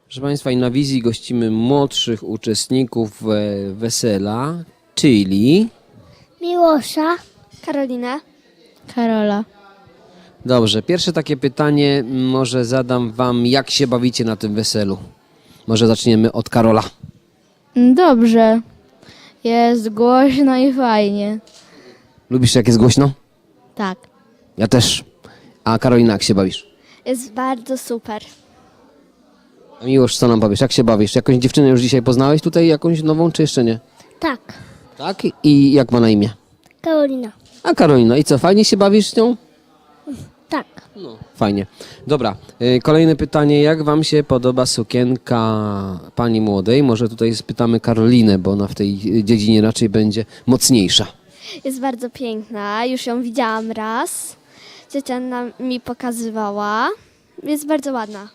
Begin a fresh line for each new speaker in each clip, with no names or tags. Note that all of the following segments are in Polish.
Proszę Państwa, i na wizji gościmy młodszych uczestników wesela, czyli...
Miłosza, Karolinę,
Karola.
Dobrze, pierwsze takie pytanie może zadam Wam, jak się bawicie na tym weselu? Może zaczniemy od Karola.
Dobrze. Jest głośno i fajnie.
Lubisz, jak jest głośno?
Tak.
Ja też. A Karolina, jak się bawisz?
jest bardzo super.
A Miłosz, co nam powiesz? Jak się bawisz? Jakąś dziewczynę już dzisiaj poznałeś tutaj, jakąś nową, czy jeszcze nie?
Tak,
Tak? I jak ma na imię?
Karolina.
A Karolina, i co, fajnie się bawisz z nią?
Tak.
No, fajnie. Dobra, kolejne pytanie. Jak Wam się podoba sukienka pani młodej? Może tutaj spytamy Karolinę, bo ona w tej dziedzinie raczej będzie mocniejsza.
Jest bardzo piękna, już ją widziałam raz. Ciocia mi pokazywała. Jest bardzo ładna.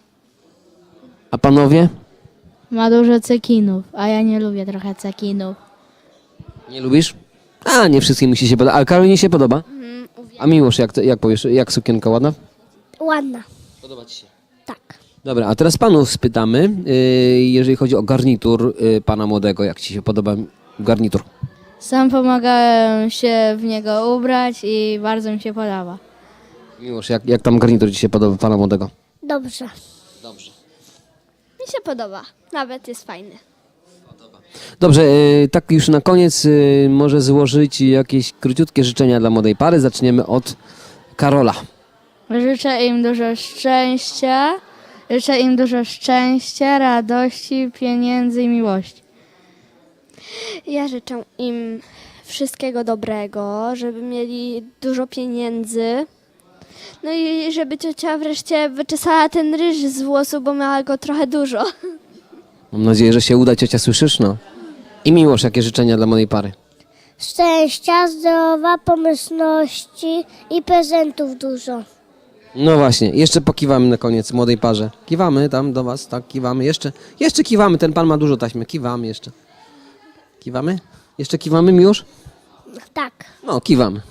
A panowie?
Ma dużo cekinów, a ja nie lubię trochę cekinów.
Nie lubisz? A, nie wszystkim musi się podobać. Ale Karolinie się podoba? A Miłosz, jak powiesz, jak sukienka ładna?
Ładna.
Podoba Ci się.
Tak.
Dobra, a teraz panów spytamy, jeżeli chodzi o garnitur pana młodego. Jak Ci się podoba garnitur?
Sam pomagałem się w niego ubrać i bardzo mi się podoba.
Miłosz, jak tam garnitur Ci się podoba pana młodego?
Dobrze.
Dobrze.
Mi się podoba. Nawet jest fajny.
Dobrze, tak już na koniec może złożyć jakieś króciutkie życzenia dla młodej pary. Zaczniemy od Karola.
Życzę im dużo szczęścia. Życzę im dużo szczęścia, radości, pieniędzy i miłości.
Ja życzę im wszystkiego dobrego, żeby mieli dużo pieniędzy. No i żeby ciocia wreszcie wyczesała ten ryż z włosu, bo miała go trochę dużo.
Mam nadzieję, że się uda, ciocia, słyszysz? No. I Miłosz, jakie życzenia dla młodej pary?
Szczęścia, zdrowa, pomyślności i prezentów dużo.
No właśnie, jeszcze pokiwamy na koniec młodej parze. Kiwamy tam do was, tak, kiwamy. Jeszcze kiwamy, ten pan ma dużo taśmy. Kiwamy jeszcze. Kiwamy? Jeszcze kiwamy, Miłosz?
Tak.
No, kiwamy.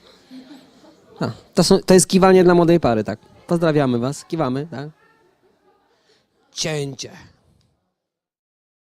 A, to jest kiwanie dla młodej pary, tak. Pozdrawiamy was, kiwamy, tak. Cięcie.